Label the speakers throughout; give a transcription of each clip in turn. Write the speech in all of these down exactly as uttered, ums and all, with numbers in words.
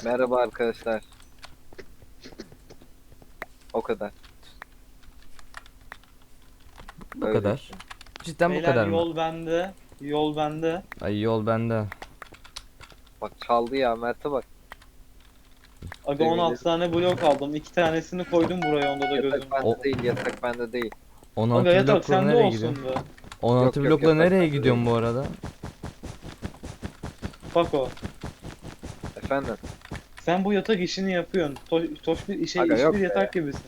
Speaker 1: Merhaba arkadaşlar. O kadar.
Speaker 2: Bu
Speaker 1: Öyle
Speaker 2: kadar.
Speaker 1: işte.
Speaker 2: Cidden bu
Speaker 3: Beyler
Speaker 2: kadar mı?
Speaker 3: yol bende. Yol bende.
Speaker 2: Ay yol bende.
Speaker 1: Bak çaldı ya, Mert'e bak.
Speaker 3: Aga on altı tane blok aldım. iki tanesini koydum buraya, onda da gözüm.
Speaker 1: Yatak bende
Speaker 2: O-
Speaker 1: değil, yatak bende değil.
Speaker 2: on
Speaker 3: Aga
Speaker 2: altı
Speaker 3: yatak
Speaker 2: blokla
Speaker 3: sende
Speaker 2: nereye
Speaker 3: olsun
Speaker 2: gidiyorsun?
Speaker 3: be.
Speaker 2: on altı
Speaker 1: Yok, yok,
Speaker 2: blokla
Speaker 1: yatak
Speaker 2: nereye
Speaker 1: bende
Speaker 2: gidiyorsun
Speaker 1: değil.
Speaker 2: bu arada?
Speaker 3: Bak o.
Speaker 1: Efendim?
Speaker 3: Sen bu yatak işini yapıyorsun. To toş bir işe
Speaker 1: Aga
Speaker 3: iş
Speaker 1: yok
Speaker 3: bir
Speaker 1: be.
Speaker 3: yatak gibisin.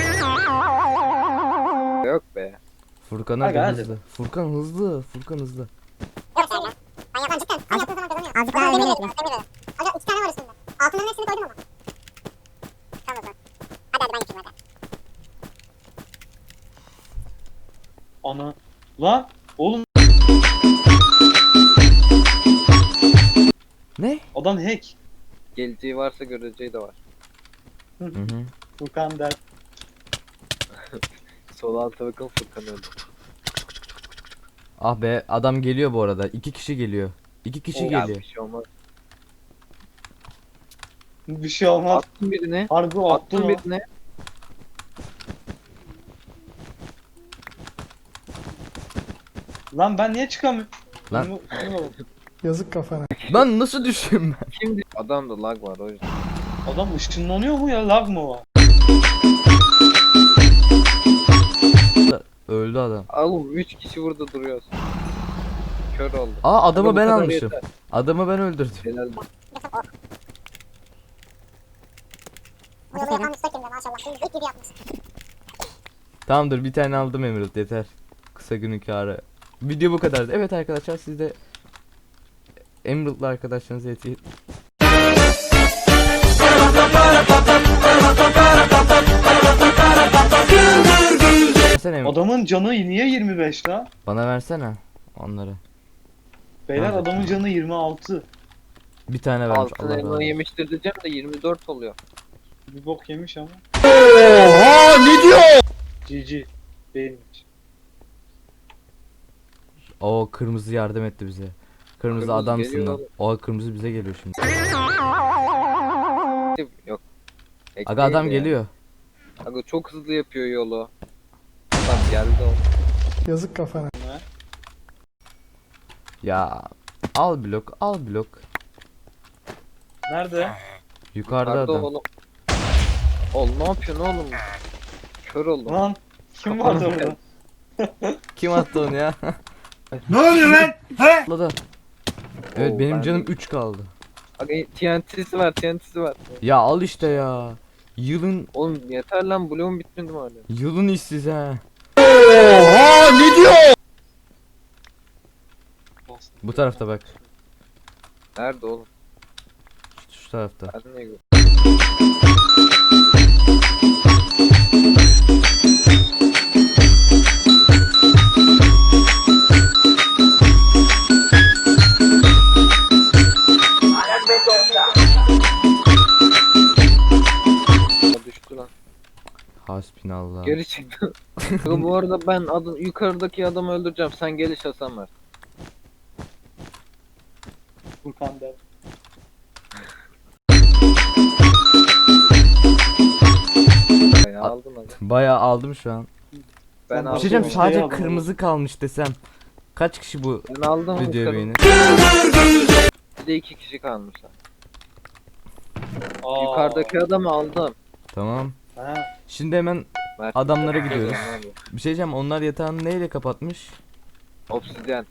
Speaker 1: Yok be.
Speaker 2: Furkan
Speaker 3: Aga,
Speaker 2: hadi
Speaker 3: hadi.
Speaker 2: hızlı. Furkan hızlı. Furkan hızlı.
Speaker 4: Yok sen ya. Ben yapmam cidden. Ben yaptığım zaman kazanıyorum. Azıcık daha demir yedim. Demir yedim. Aga iki tane var üstünde. Altınların hepsini koydum ama. Tamam o zaman. Hadi hadi ben yapayım hadi.
Speaker 3: Ana. Lan oğlum
Speaker 2: Ne?
Speaker 3: adam hack.
Speaker 1: Geleceği varsa göreceği de var.
Speaker 2: Hı hı.
Speaker 3: Furkan der.
Speaker 1: Sol alta bakın, Furkan öldü.
Speaker 2: Ah be, adam geliyor bu arada. İki kişi geliyor. İki kişi
Speaker 1: Ya
Speaker 2: geliyor.
Speaker 1: bir şey olmaz.
Speaker 3: Bir şey olmaz.
Speaker 1: Attım birine.
Speaker 3: Harbi o attın
Speaker 1: Attım
Speaker 3: o.
Speaker 1: birine.
Speaker 3: Lan ben niye çıkamıyorum?
Speaker 2: Lan.
Speaker 3: Şunu- şunu bak.
Speaker 5: Yazık kafana.
Speaker 2: Lan nasıl düşeyim ben?
Speaker 1: Şimdi adamda lag var o yüzden.
Speaker 3: Adam ışınlanıyor mu ya, lag mı var?
Speaker 2: Öldü adam.
Speaker 1: Oğlum üç kişi burada duruyoruz. Kör oldu.
Speaker 2: Aa adamı
Speaker 1: Aga, bu
Speaker 2: ben
Speaker 1: kadar
Speaker 2: almışım.
Speaker 1: yeter.
Speaker 2: Adamı ben öldürdüm.
Speaker 1: Helal.
Speaker 4: Bu yolu yapan müstakimde maşallah. Şimdi ilk gibi yapmış.
Speaker 2: Tamamdır, bir tane aldım Emerald, yeter. Kısa günün kârı. Video bu kadardı. Evet arkadaşlar, siz de Emerald'lı arkadaşlarınıza yeti. Versene Emerald.
Speaker 3: Adamın canı niye yirmi beş lan?
Speaker 2: Bana versene onları.
Speaker 3: Beyler
Speaker 2: Nerede?
Speaker 3: adamın canı yirmi altı.
Speaker 2: Bir tane vermiş.
Speaker 1: Altın
Speaker 2: Allah razı
Speaker 1: elma
Speaker 2: olsun.
Speaker 1: yemiştir diyeceğim de yirmi dört oluyor.
Speaker 3: Bir bok yemiş ama.
Speaker 5: Oha ne diyor?
Speaker 3: G G. Değilmiş.
Speaker 2: O kırmızı yardım etti bize. Kırmızı,
Speaker 1: Kırmızı
Speaker 2: adamsın
Speaker 1: geliyor
Speaker 2: lan.
Speaker 1: oğlum.
Speaker 2: O kırmızı bize geliyor şimdi.
Speaker 1: Yok. Hack
Speaker 2: Aga adam
Speaker 1: değil ya.
Speaker 2: geliyor.
Speaker 1: Aga çok hızlı yapıyor yolu. Adam geldi o.
Speaker 5: Yazık kafana.
Speaker 2: Ya al blok, al blok.
Speaker 3: Nerede?
Speaker 2: Yukarıda
Speaker 1: Yukarıda
Speaker 2: adam.
Speaker 1: oğlum. Oğlum ne yapıyorsun oğlum? Kör oldum.
Speaker 3: Lan kim
Speaker 1: Kafanı
Speaker 3: vardı orada?
Speaker 2: Kim attı onu ya?
Speaker 5: Ne oluyor lan? He?
Speaker 2: Atladı. Evet
Speaker 1: Oo,
Speaker 2: benim
Speaker 1: ben
Speaker 2: canım
Speaker 1: de-
Speaker 2: üç kaldı.
Speaker 1: Aga T N T'si var, T N T'si var.
Speaker 2: Ya al işte ya. Yılın
Speaker 1: Oğlum yeter lan, bloğum bitmedi mi hala?
Speaker 2: yılın işsiz ha.
Speaker 5: Oha ne diyor?
Speaker 2: Bu tarafta bak.
Speaker 1: Nerede oğlum?
Speaker 2: Şu, şu tarafta.
Speaker 1: Ben niye gör- Aa, düştü lan.
Speaker 2: Hasbinallah.
Speaker 1: Geri çıktı. Aga bu arada ben adı, yukarıdaki adamı öldüreceğim. Sen geliş Hasan ver.
Speaker 3: Furkan der.
Speaker 1: Ya aldım aga.
Speaker 2: Bayağı aldım şu an.
Speaker 1: Ben
Speaker 2: Bir
Speaker 1: aldım.
Speaker 2: şey diyeceğim,
Speaker 3: bir şey
Speaker 2: sadece
Speaker 3: aldım.
Speaker 2: kırmızı kalmış desem. Kaç kişi bu
Speaker 1: Ben aldım.
Speaker 2: videoyu
Speaker 1: yukarı.
Speaker 2: beğenir?
Speaker 1: Bir de iki kişi kalmışlar.
Speaker 3: Aa.
Speaker 1: Yukarıdaki adamı aldım.
Speaker 2: Tamam.
Speaker 3: Ha.
Speaker 2: Şimdi hemen
Speaker 1: Mert-
Speaker 2: adamlara gidiyoruz.
Speaker 1: Ne oluyor?
Speaker 2: Bir şey diyeceğim, onlar yatağını neyle kapatmış?
Speaker 1: Obsidyen.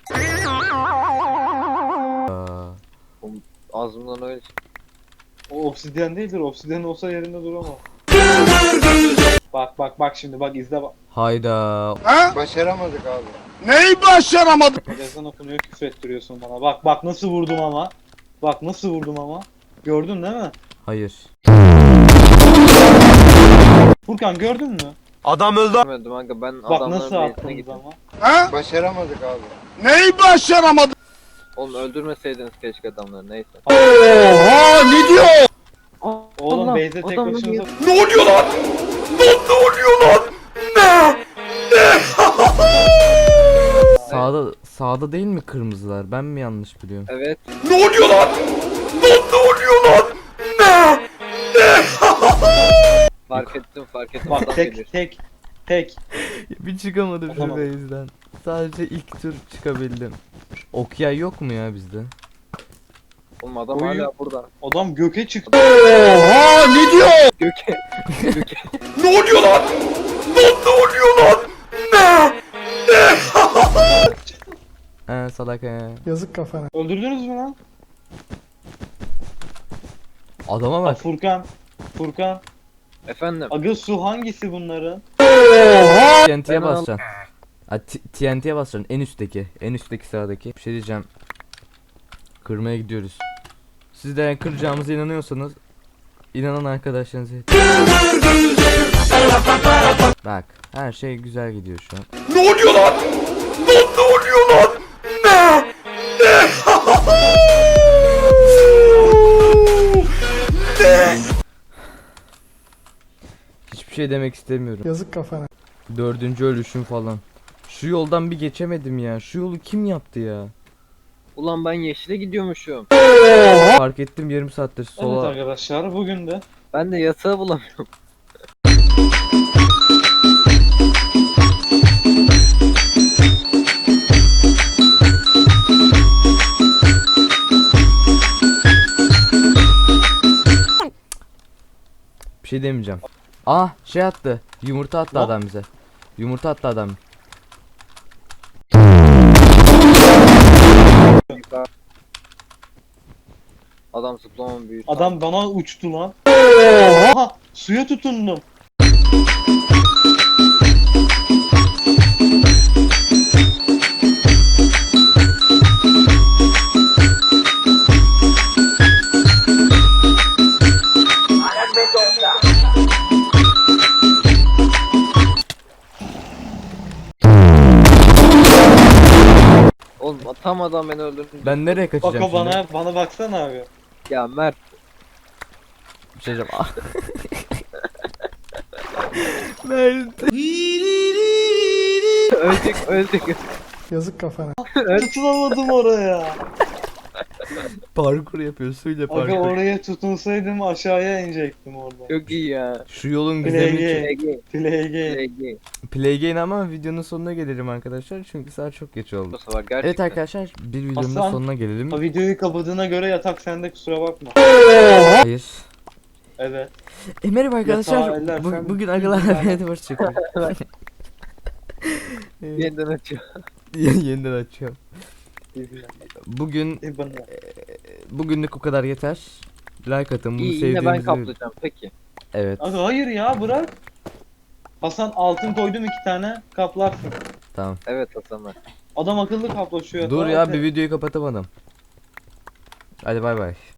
Speaker 2: Aa,
Speaker 1: Ağzımdan öyle çıktı.
Speaker 3: O obsidyen değildir. Obsidyen olsa yerinde duramaz. Bak bak bak şimdi bak izle bak.
Speaker 2: hayda.
Speaker 5: Ha?
Speaker 6: Başaramadık abi.
Speaker 5: Neyi başaramadı?
Speaker 3: Ezan okunuyor, küfür ettiriyorsun bana. Bak bak nasıl vurdum ama. Bak nasıl vurdum ama. Gördün değil mi?
Speaker 2: Hayır.
Speaker 3: Furkan gördün mü?
Speaker 5: Adam öldü.
Speaker 1: Demedim aga, ben
Speaker 3: Bak
Speaker 1: adamların
Speaker 3: nasıl
Speaker 1: base'ine
Speaker 3: attınız
Speaker 1: gittim.
Speaker 3: ama.
Speaker 5: Ha?
Speaker 6: Başaramadık abi.
Speaker 5: Neyi başaramadı?
Speaker 1: Oğlum öldürmeseydiniz keşke adamları, neyse.
Speaker 5: Oha ne diyor?
Speaker 1: Aa,
Speaker 3: Oğlum
Speaker 1: Allah,
Speaker 3: base'e tek
Speaker 1: adamın
Speaker 3: başınıza...
Speaker 1: yeri-
Speaker 5: Ne oluyor lan? Lan ne oluyor lan? Ne?
Speaker 2: Sağda sağda değil mi kırmızılar? Ben mi yanlış biliyorum?
Speaker 1: Evet.
Speaker 5: Ne oluyor lan? Lan ne oluyor lan? Ne?
Speaker 1: Fark ettim fark ettim.
Speaker 3: Bak
Speaker 1: Adam gelir.
Speaker 3: tek tek tek.
Speaker 2: Bir çıkamadım şu
Speaker 3: Olamam.
Speaker 2: base'den. Sadece ilk tur çıkabildim. Okyay yok mu ya bizde?
Speaker 1: Oğlum adam
Speaker 3: Uyuyor.
Speaker 1: hala burada.
Speaker 3: Adam göke çıktı.
Speaker 5: Oha ne diyor?
Speaker 1: Göke. Göke.
Speaker 5: Ne oluyor lan? Lan ne oluyor lan? Ne?
Speaker 2: He salak he.
Speaker 3: Öldürdünüz mü lan?
Speaker 2: Adama
Speaker 3: Bak
Speaker 2: bak.
Speaker 3: Furkan. Furkan.
Speaker 1: Efendim.
Speaker 3: Aga su hangisi bunların?
Speaker 2: T N T'ye
Speaker 1: Ben al-
Speaker 2: basacaksın. Ha, T- T N T'ye basacaksın en üstteki. En üstteki sıradaki. Bir şey diyeceğim. Kırmaya gidiyoruz. Siz de kıracağımıza inanıyorsanız inanan arkadaşlarınızı bak her şey güzel gidiyor şu an.
Speaker 5: Ne oluyor lan? Lan ne oluyor lan? Ne? Ne? Ne?
Speaker 2: Hiçbir şey demek istemiyorum. Yazık kafana. Dördüncü ölüşüm falan. Şu yoldan bir geçemedim ya. Şu yolu kim yaptı ya?
Speaker 1: Ulan ben yeşile gidiyormuşum.
Speaker 2: Fark ettim yarım saattir
Speaker 3: Evet
Speaker 2: sola.
Speaker 3: arkadaşlar bugün de
Speaker 1: Ben de yatağı bulamıyorum.
Speaker 2: Bir şey demeyeceğim. Ah şey attı. Yumurta attı
Speaker 3: Ne?
Speaker 2: adam bize. Yumurta attı adam.
Speaker 1: Adam zıplamam büyük.
Speaker 3: adam bana uçtu lan. Aha suya tutundum.
Speaker 1: Oğlum tam adam beni öldürdü.
Speaker 2: Ben nereye
Speaker 3: Bak
Speaker 2: kaçacağım
Speaker 3: o
Speaker 2: şimdi?
Speaker 3: bana bana baksana abi.
Speaker 1: Ya Mert.
Speaker 2: Bir şey diyeceğim. Ah. Mert.
Speaker 1: ölecek ölecek.
Speaker 3: Tutunamadım oraya.
Speaker 2: Parkur yapıyor suyla
Speaker 3: Aga
Speaker 2: parkur.
Speaker 3: oraya tutunsaydım aşağıya inecektim orada.
Speaker 1: Çok iyi ya.
Speaker 2: Şu yolun
Speaker 3: Play
Speaker 2: gizemi
Speaker 3: game.
Speaker 1: Play game.
Speaker 3: Play game.
Speaker 1: Play game.
Speaker 2: play game ama videonun sonuna gelelim arkadaşlar çünkü saat çok geç oldu.
Speaker 1: Bu sefer gerçekten.
Speaker 2: Evet arkadaşlar bir videonun da
Speaker 3: Hasan.
Speaker 2: sonuna gelelim.
Speaker 3: Ha, videoyu kapadığına göre yatak sende kusura bakma.
Speaker 2: Hayır.
Speaker 3: Evet.
Speaker 2: E merhaba
Speaker 3: Yatağı
Speaker 2: arkadaşlar.
Speaker 3: ellersen
Speaker 2: Bu, bugün
Speaker 3: bir
Speaker 2: agalar
Speaker 3: tane-
Speaker 2: hadi hoş çıkıyor.
Speaker 1: Yeniden açıyor.
Speaker 2: Yeniden açıyorum. Bugün
Speaker 3: E bana.
Speaker 2: bugünlük o kadar yeter. Like atın bunu
Speaker 1: İyi yine ben
Speaker 2: sevdiğinizi.
Speaker 1: kaplayacağım peki.
Speaker 2: Evet
Speaker 3: Aga hayır ya bırak. Hasan altın koydum iki tane kaplarsın.
Speaker 2: tamam.
Speaker 1: Evet Hasan Mert.
Speaker 3: Adam akıllı kaplaşıyor.
Speaker 2: Dur
Speaker 3: Tamam,
Speaker 2: ya
Speaker 3: evet.
Speaker 2: bir videoyu kapatamadım. Hadi bay bay.